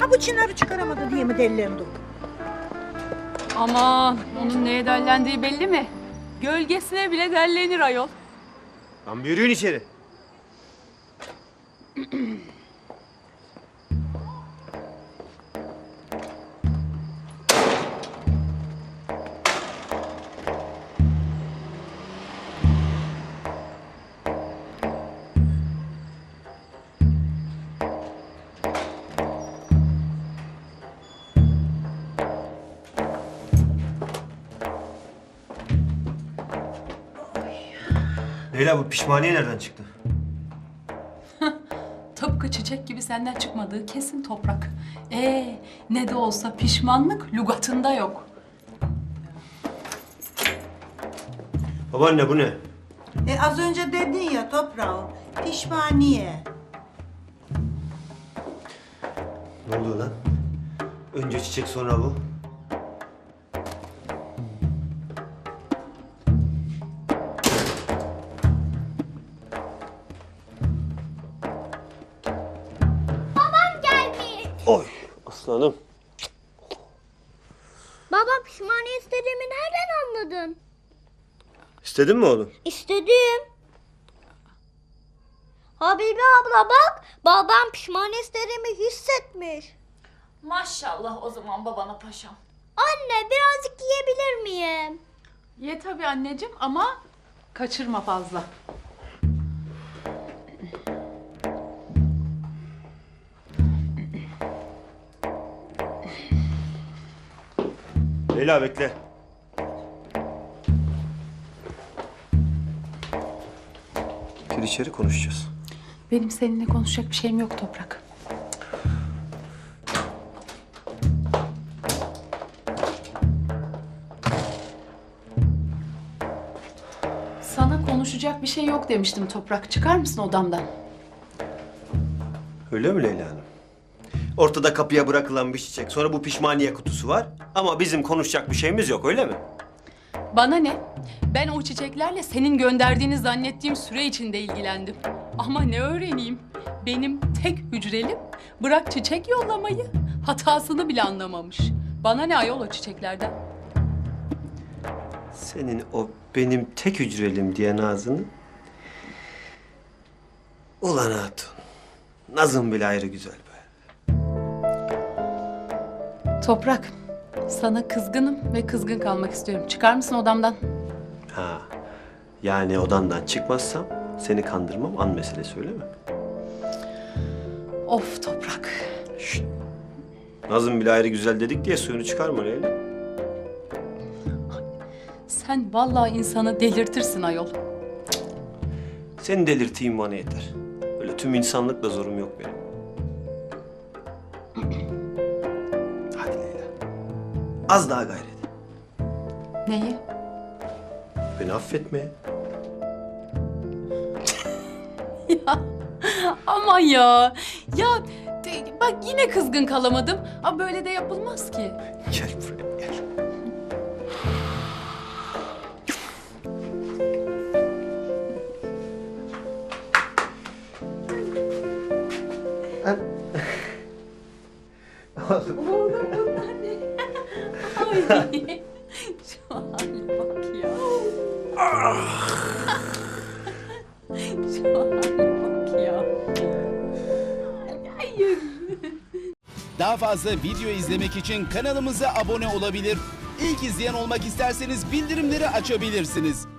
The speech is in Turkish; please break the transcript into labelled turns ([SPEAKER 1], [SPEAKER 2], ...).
[SPEAKER 1] Ha bu Çınar'ı çıkaramadı diye mi dellendim?
[SPEAKER 2] Aman onun neye dellendiği belli mi? Gölgesine bile dellenir ayol.
[SPEAKER 3] Lan bir yürüyün içeri. Leyla bu pişmaniye nereden çıktı?
[SPEAKER 2] Tıpkı çiçek gibi senden çıkmadığı kesin Toprak. Ne de olsa pişmanlık lügatında yok.
[SPEAKER 3] Babaanne bu ne?
[SPEAKER 1] Az önce dedin ya toprağım, pişmaniye.
[SPEAKER 3] Ne oluyor lan? Önce çiçek sonra bu. Oy aslanım.
[SPEAKER 4] Baba pişmaniye istediğimi nereden anladın?
[SPEAKER 3] İstedin mi oğlum?
[SPEAKER 4] İstedim. Habibe abla bak, babam pişmaniye istediğimi hissetmiş.
[SPEAKER 2] Maşallah o zaman babana paşam.
[SPEAKER 4] Anne birazcık yiyebilir miyim?
[SPEAKER 2] Ye tabii anneciğim ama kaçırma fazla.
[SPEAKER 3] Leyla bekle. Gir içeri konuşacağız.
[SPEAKER 2] Benim seninle konuşacak bir şeyim yok Toprak. Sana konuşacak bir şey yok demiştim Toprak. Çıkar mısın odamdan?
[SPEAKER 3] Öyle mi Leyla Hanım? Ortada kapıya bırakılan bir çiçek. Sonra bu pişmaniye kutusu var. Ama bizim konuşacak bir şeyimiz yok öyle mi?
[SPEAKER 2] Bana ne? Ben o çiçeklerle senin gönderdiğini zannettiğim süre içinde ilgilendim. Ama ne öğreneyim? Benim tek hücrelim bırak çiçek yollamayı hatasını bile anlamamış. Bana ne ayol o çiçeklerden?
[SPEAKER 3] Senin o benim tek hücrelim diyen ağzını... Ulan hatun. Nazım bile ayrı güzel be.
[SPEAKER 2] Toprak, sana kızgınım ve kızgın kalmak istiyorum. Çıkar mısın odamdan?
[SPEAKER 3] Ha. Yani odandan çıkmazsam seni kandırmam an meselesi öyle mi?
[SPEAKER 2] Of Toprak.
[SPEAKER 3] Şşt. Nazım bile ayrı güzel dedik diye suyunu çıkarma Leyla.
[SPEAKER 2] Sen vallahi insanı delirtirsin ayol.
[SPEAKER 3] Seni delirteyim bana yeter. Öyle tüm insanlıkla zorum yok benim. Hadi Leyla. Az daha gayret.
[SPEAKER 2] Neyi?
[SPEAKER 3] Beni affetmeye.
[SPEAKER 2] Ya aman ya. Ya bak yine kızgın kalamadım. Ama böyle de yapılmaz ki.
[SPEAKER 3] Gel buraya gel.
[SPEAKER 2] Ay. Şu hale bak ya. Şu hale bak ya. Hayır.
[SPEAKER 5] Daha fazla video izlemek için kanalımıza abone olabilir. İlk izleyen olmak isterseniz bildirimleri açabilirsiniz.